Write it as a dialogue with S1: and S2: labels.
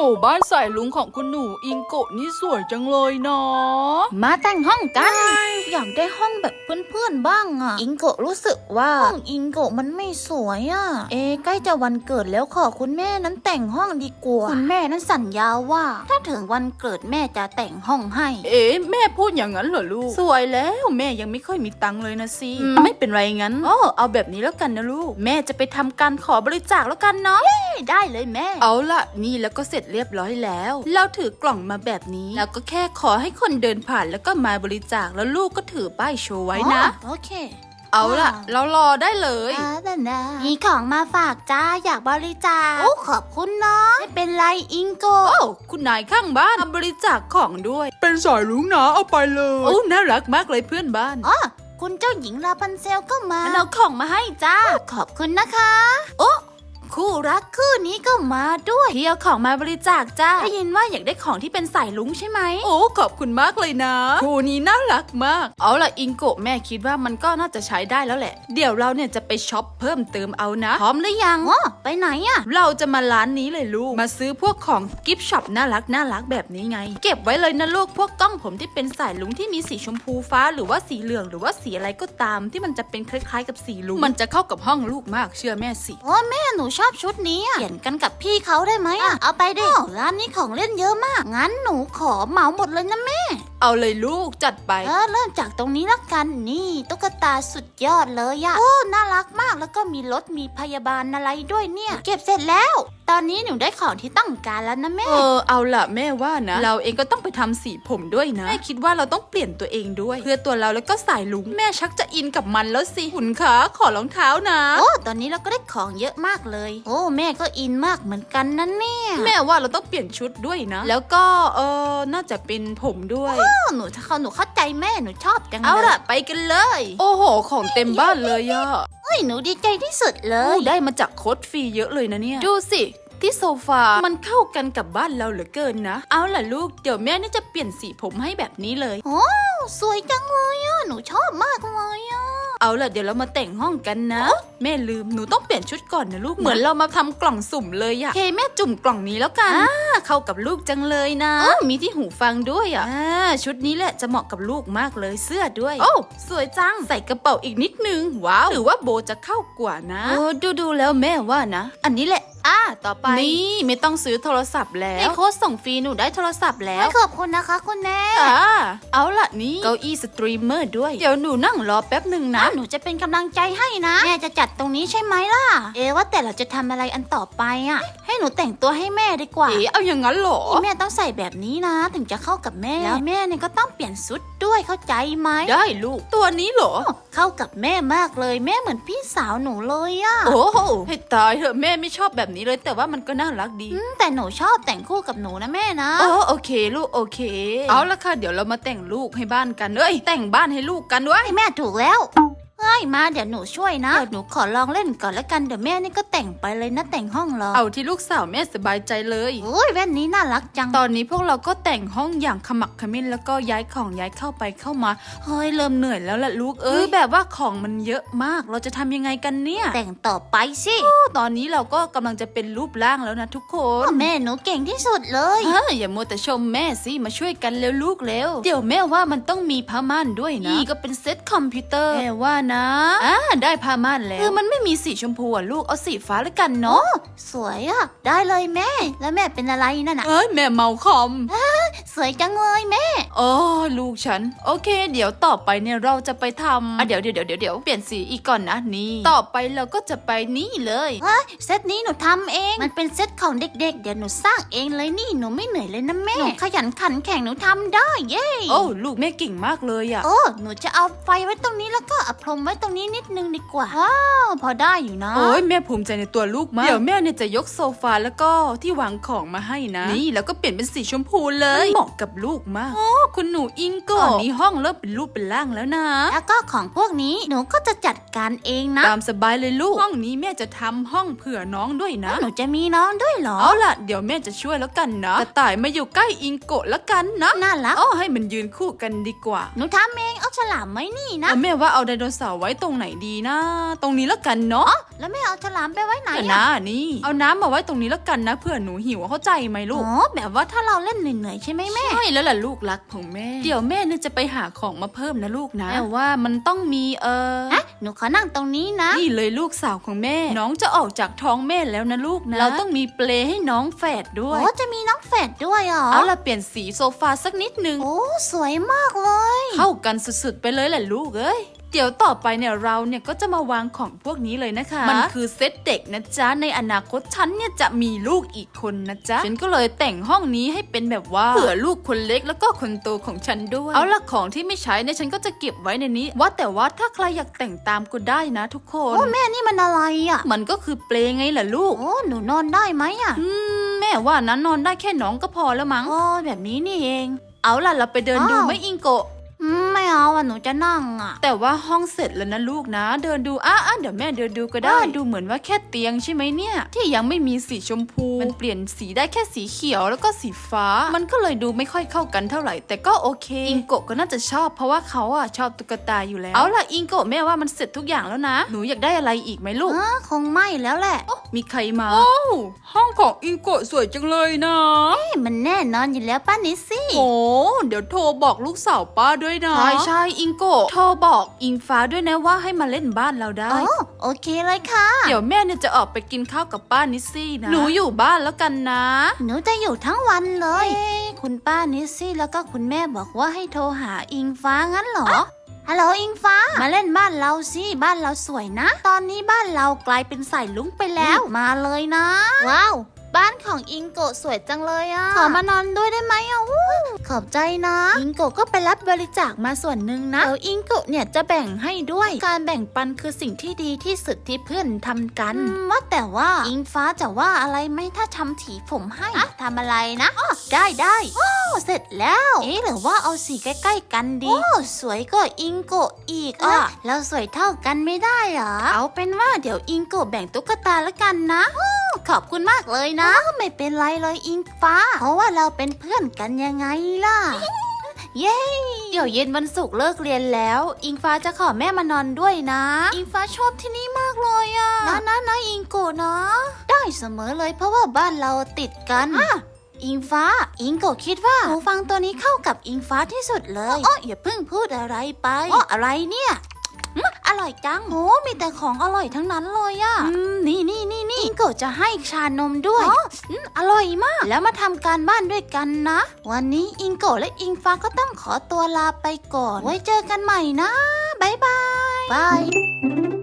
S1: บ้านสายลุงของคุณหนูอิงโกะนี่สวยจังเลยเนาะ
S2: มาแต่งห้องกันอยากได้ห้องแบบเพื่อนๆบ้างอ่ะอิงโกะรู้สึกว่าห้องอิงโกะมันไม่สวยอ่ะใกล้จะวันเกิดแล้วขอคุณแม่นั้นแต่งห้องดีกว่าคุณแม่นั้นสัญญาว่าถ้าถึงวันเกิดแม่จะแต่งห้องให้
S1: แม่พูดอย่างนั้นเหรอลูกสวยแล้วแม่ยังไม่ค่อยมีตังค์เลยนะสิไม่เป็นไรงั้นเอาแบบนี้แล้วกันนะลูกแม่จะไปทำการขอบริจาคแล้วกันเนาะ
S2: ได้เลยแม่
S1: เอาล่ะนี่แล้วก็เสร็จเรียบร้อยแล้วเราถือกล่องมาแบบนี้แล้วก็แค่ขอให้คนเดินผ่านแล้วก็มาบริจาคแล้วลูกก็ถือป้ายโชว์ไว้นะ
S2: โอเค
S1: เอาล่ะเรารอได้เลย
S2: มีของมาฝากจ้าอยากบริจาคโอ้ขอบคุณเนาะไม่เป็นไรอิงโก
S1: คุณนายข้างบ้านบริจาคของด้วยเป็นสายลุงนะเอาไปเลยน่ารักมากเลยเพื่อนบ้าน
S2: คุณเจ้าหญิงลาพันเซลก็มาเอาของมาให้จ้าขอบคุณนะคะคู่รักคู่นี้ก็มาด้วย
S1: ที่เอาของมาบริจาคจ้า
S2: ได้ยินว่าอยากได้ของที่เป็นสายลุงใช่ไหม
S1: ขอบคุณมากเลยนะคู่นี้น่ารักมากเอาล่ะอิงโกะแม่คิดว่ามันก็น่าจะใช้ได้แล้วแหละเดี๋ยวเราเนี่ยจะไปช็อปเพิ่มเติมเอานะพร้อมหรือยัง
S2: ไปไหนอะ
S1: เราจะมาร้านนี้เลยลูกมาซื้อพวกของกิฟต์ช็อปน่ารักแบบนี้ไงเก็บไว้เลยนะลูกพวกกล้องผมที่เป็นสายลุงที่มีสีชมพูฟ้าหรือว่าสีเหลืองหรือว่าสีอะไรก็ตามที่มันจะเป็นคล้ายๆกับสีลุงมันจะเข้ากับห้องลูกมากเชื่อแม่สิ
S2: แม่หนูชอบชุดนี้เปลี่ยนกันกับพี่เขาได้ไหมเอาไปดิร้านนี้ของเล่นเยอะมากงั้นหนูขอเหมาหมดเลยนะแม่
S1: เอาเลยลูกจัดไป
S2: เริ่มจากตรงนี้ละกันนี่ตุ๊กตาสุดยอดเลยอะน่ารักมากแล้วก็มีรถมีพยาบาลอะไรด้วยเนี่ยเก็บเสร็จแล้วตอนนี้หนูได้ของที่ต้องการแล้วนะแม่
S1: เอาล่ะแม่ว่านะเราเองก็ต้องไปทำสีผมด้วยนะแม่คิดว่าเราต้องเปลี่ยนตัวเองด้วยเพื่อตัวเราแล้วก็สายลุงแม่ชักจะอินกับมันแล้วสิหุ่นขาขอรองเท้านะ
S2: ตอนนี้เราก็ได้ของเยอะมากเลยแม่ก็อินมากเหมือนกันนะเนี่ย
S1: แม่ว่าเราต้องเปลี่ยนชุดด้วยนะแล้วก็น่าจะเป็นผมด้วย
S2: หนูเข้าใจแม่หนูชอบจังเลย
S1: เอาล่ะไปกันเลยโอ้โหของเต็มบ้านเลยอะ
S2: หนูดีใจที่สุดเลย
S1: ได้มาจากโค้ดฟรีเยอะเลยนะเนี่ยดูสิที่โซฟามันเข้ากันกับบ้านเราเหลือเกินนะเอาล่ะลูกเดี๋ยวแม่น่าจะเปลี่ยนสีผมให้แบบนี้เลย
S2: สวยจังเลยอะหนูชอบมากเลยอะ
S1: เอาล่ะเดี๋ยวเรามาแต่งห้องกันนะแม่ลืมหนูต้องเปลี่ยนชุดก่อนนะลูกเหมือนเรามาทำกล่องสุ่มเลยอะแม่จุ่มกล่องนี้แล้วกันเข้ากับลูกจังเลยนะมีที่หูฟังด้วยอะชุดนี้แหละจะเหมาะกับลูกมากเลยเสื้อด้วยสวยจังใส่กระเป๋าอีกนิดนึงว้าวหรือว่าโบจะเข้ากว่านะดูแล้วแม่ว่านะอันนี้แหละต่อไปนี่ไม่ต้องซื้อโทรศัพท์แล้วในโค้ดส่งฟรีหนูได้โทรศัพท์แล้ว
S2: ขอบคุณนะคะคุณแม่
S1: เอาล่ะนี่เก้าอี้สตรีมเมอร์ด้วยเดี๋ยวหนูนั่งรอแป๊บหนึ่งนะ
S2: หนูจะเป็นกำลังใจให้นะแม่จะจัดตรงนี้ใช่ไหมล่ะว่าแต่เราจะทำอะไรอันต่อไปอะให้หนูแต่งตัวให้แม่ดีกว่า
S1: เอาอย่างนั้นเหรอ
S2: แม่ต้องใส่แบบนี้นะถึงจะเข้ากับแม่แล้วแม่เนี่ยก็ต้องเปลี่ยนชุดด้วยเข้าใจไหม
S1: ได้ลูกตัวนี้เหรอ
S2: เข้ากับแม่มากเลยแม่เหมือนพี่สาวหนูเลยอะ
S1: โอ้ให้ตายเถอะแม่ไม่ชอบแบบนี้เลยแต่ว่ามันก็น่ารักดี
S2: แต่หนูชอบแต่งคู่กับหนูนะแม่นะ
S1: โอเคลูกโอเคเอาละค่ะเดี๋ยวเรามาแต่งลูกให้บ้านกันแต่งบ้านให้ลูกกันด้วย
S2: แม่ถูกแล้วมาเดี๋ยวหนูช่วยนะเดี๋ยวหนูขอลองเล่นก่อนแล้วกันเดี๋ยวแม่นี่ก็แต่งไปเลยนะแต่งห้องเรา
S1: เอาที่ลูกสาวแม่สบายใจเลย
S2: แว่นนี้น่ารักจัง
S1: ตอนนี้พวกเราก็แต่งห้องอย่างขมักเขม้นแล้วก็ย้ายของย้ายเข้าไปเข้ามาเริ่มเหนื่อยแล้วล่ะลูกแบบว่าของมันเยอะมากเราจะทำยังไงกันเนี่ย
S2: แต่งต่อไปสิ
S1: ตอนนี้เราก็กำลังจะเป็นรูปร่างแล้วนะทุกคน
S2: แม่หนูเก่งที่สุดเลย
S1: อย่ามัวแต่ชมแม่สิมาช่วยกันเร็วลูกเร็วเดี๋ยวแม่ว่ามันต้องมีผ้าม่านด้วยนะนี่ก็เป็นเซ็ตคอมพิวเตอร์แม่ว่านะได้ผ้าม่านแล้วมันไม่มีสีชมพูลูกเอาสีฟ้าแล้วกันเนาะ
S2: สวยได้เลยแม่แล้วแม่เป็นอะไรนั่นน่ะ
S1: แม่เมาคอม
S2: สวยจังเลยแม่
S1: ลูกฉันโอเคเดี๋ยวต่อไปเนี่ยเราจะไปทำเดี๋ยวเปลี่ยนสีอีกก่อนนะนี่ต่อไปเราก็จะไปนี่เลย
S2: เซตนี้หนูทำเองมันเป็นเซตของเด็กๆเดี๋ยวหนูสร้างเองเลยนี่หนูไม่เหนื่อยเลยนะแม่หนูขยันขันแข่งหนูทำได้เย้
S1: ลูกแม่เก่งมากเลย
S2: หนูจะเอาไฟไว้ตรงนี้แล้วก็เอาพรมไว้ตรงนี้นิดนึงดีกว่าพอได้อยู่นะ
S1: แม่ภูมิใจในตัวลูกมากเดี๋ยวแม่เนี่ยจะยกโซฟาแล้วก็ที่วางของมาให้นะนี่แล้วก็เปลี่ยนเป็นสีชมพูเลยเหมาะะกับลูกมากโอ้คุณหนูอิงโกะตอนนี้ห้องเริ่มเป็นรูปเป็นร่างแล้วนะ
S2: แล้วก็ของพวกนี้หนูก็จะจัดการเองนะ
S1: ตามสบายเลยลูกห้องนี้แม่จะทำห้องเผื่อน้องด้วยนะ
S2: หนูจะมีน้องด้วยเหรอ
S1: เอาล่ะเดี๋ยวแม่จะช่วยแล้วกันนะกระต่ายมาอยู่ใกล้อิงโกะแล้วกันนะ
S2: น่ารัก
S1: เอาให้มันยืนคู่กันดีกว่า
S2: หนูทำเองเอาฉลามไว้นี่นะ
S1: แล้วแม่ว่าเอาไดโนเสาร์ไว้ตรงไหนดีนะ ตรงนี้แล้วกันเนาะ
S2: แล้วไม่เอาฉลามไปไว้ไหน
S1: เดี๋ยว
S2: อะ
S1: นะนี่เอาน้ำมาไว้ตรงนี้แล้วกันนะเผื่อหนูหิวเข้าใจไหมลูก
S2: อ๋อแบบว่าถ้าเราเล่นเหนื่อยๆใช่ไหมแม่
S1: ใช่แล้วล่ะลูกรักของแม่เดี๋ยวแม่เนี่ยจะไปหาของมาเพิ่มนะลูกนะแต่ว่ามันต้องมี
S2: อะหนูขอนั่งตรงนี้นะ
S1: นี่เลยลูกสาวของแม่ น้องจะออกจากท้องแม่แล้วนะลูกนะเราต้องมีเปลให้น้องแฝดด้วย
S2: โอ้จะมีน้องแฝดด้วยเหรอ
S1: เอาล่ะเปลี่ยนสีโซฟาสักนิดนึง
S2: โอ้สวยมากเลย
S1: เข้ากันสุดๆไปเลยแหละลูกเอ้ยเดี๋ยวต่อไปเนี่ยเราเนี่ยก็จะมาวางของพวกนี้เลยนะคะมันคือเซตเด็กนะจ๊ะในอนาคตฉันเนี่ยจะมีลูกอีกคนนะจ๊ะฉันก็เลยแต่งห้องนี้ให้เป็นแบบว่าเผื่อลูกคนเล็กแล้วก็คนโตของฉันด้วยเอาล่ะของที่ไม่ใช้เนี่ยฉันก็จะเก็บไว้ในนี้ว่าแต่ว่าถ้าใครอยากแต่งตามก็ได้นะทุกคน
S2: โอ้แม่นี่มันอะไรอ่ะ
S1: มันก็คือเปลไงล่ะลูก
S2: โอ้หนูนอนได้ไหมอ่ะ
S1: แม่ว่านั้นนอนได้แค่น้องก็พอแล้วมั้ง
S2: โอ้แบบนี้นี่เอง
S1: เอาล่ะเราไปเดินดู
S2: อ้าว
S1: ไหมอิงโกะ
S2: ไม่เอาอ่ะหนูจะนั่งอ่ะ
S1: แต่ว่าห้องเสร็จแล้วนะลูกนะ เดินดูเดี๋ยวแม่เดินดูก็ได้ ดูเหมือนว่าแค่เตียงใช่ไหมเนี่ย ที่ยังไม่มีสีชมพู มันเปลี่ยนสีได้แค่สีเขียวแล้วก็สีฟ้า มันก็เลยดูไม่ค่อยเข้ากันเท่าไหร่ แต่ก็โอเค อิงโกะก็น่าจะชอบเพราะว่าเขาอ่ะชอบตุ๊กตาอยู่แล้ว เอาล่ะอิงโกะแม่ว่ามันเสร็จทุกอย่างแล้วนะ หนูอยากได้อะไรอีกไหมลูก
S2: คงไม่แล้วแหละ
S1: มีใครมาโอ้ห้องของอิงโกะสวยจังเลยนะ
S2: มันแน่นอนอยู่แล้วป้านิสซี่
S1: โอ้เดี๋ยวโทรบอกลูกสาวป้าด้วยนะใช่อิงโกะโทรบอกอิงฟ้าด้วยนะว่าให้มาเล่นบ้านเราได้
S2: โอเคเลยค่ะ
S1: เดี๋ยวแม่เนี่ยจะออกไปกินข้าวกับป้านิสซี่นะ หนูอยู่บ้านแล้วกันนะ
S2: หนูจะอยู่ทั้งวันเลยคุณป้านิสซี่แล้วก็คุณแม่บอกว่าให้โทรหาอิงฟ้างั้นเหรอ ฮัลโหลอิงฟ้า มาเล่นบ้านเราสิบ้านเราสวยนะ ตอนนี้บ้านเรากลายเป็นสายลุ้งไปแล้ว มาเลยนะ ว้าวบ้านของอิงโกะสวยจังเลยอ่ะขอมานอนด้วยได้ไหมอ่ะขอบใจนะอิงโกะก็ไปรับบริจาคมาส่วนหนึ่งนะเดี๋ยวอิงโกะเนี่ยจะแบ่งให้ด้วยการแบ่งปันคือสิ่งที่ดีที่สุดที่เพื่อนทำกันว่าแต่ว่าอิงฟ้าจะว่าอะไรไหมถ้าทำถีผมให้ทำอะไรนะได้เสร็จแล้วหรือว่าเอาสีใกล้ๆกันดีสวยกว่าอิงโกะอีกอ่ะแล้วสวยเท่ากันไม่ได้เหรอเอาเป็นว่าเดี๋ยวอิงโกะแบ่งตุ๊กตาละกันนะขอบคุณมากเลยนะไม่เป็นไรเลยอิงฟ้าเพราะว่าเราเป็นเพื่อนกันยังไงล่ะ เย้เดี๋ยวเย็นวันศุกร์เลิกเรียนแล้ว อิงฟ้าจะขอแม่มานอนด้วยนะ อิงฟ้าชอบที่นี่มากเลยอะนะอิงโกะนะได้เสมอเลยเพราะว่าบ้านเราติดกันอิงฟ้าอิงโกะคิดว่าหูฟังตัวนี้เข้ากับอิงฟ้าที่สุดเลยอย่าเพิ่งพูดอะไรไปอะไรเนี่ยอร่อยจังโอ้มีแต่ของอร่อยทั้งนั้นเลยอะนี่อิงโกะจะให้ชานมด้วยอร่อยมากแล้วมาทำการบ้านด้วยกันนะวันนี้อิงโกะและอิงฟ้าก็ต้องขอตัวลาไปก่อนไว้เจอกันใหม่นะบ๊ายบาย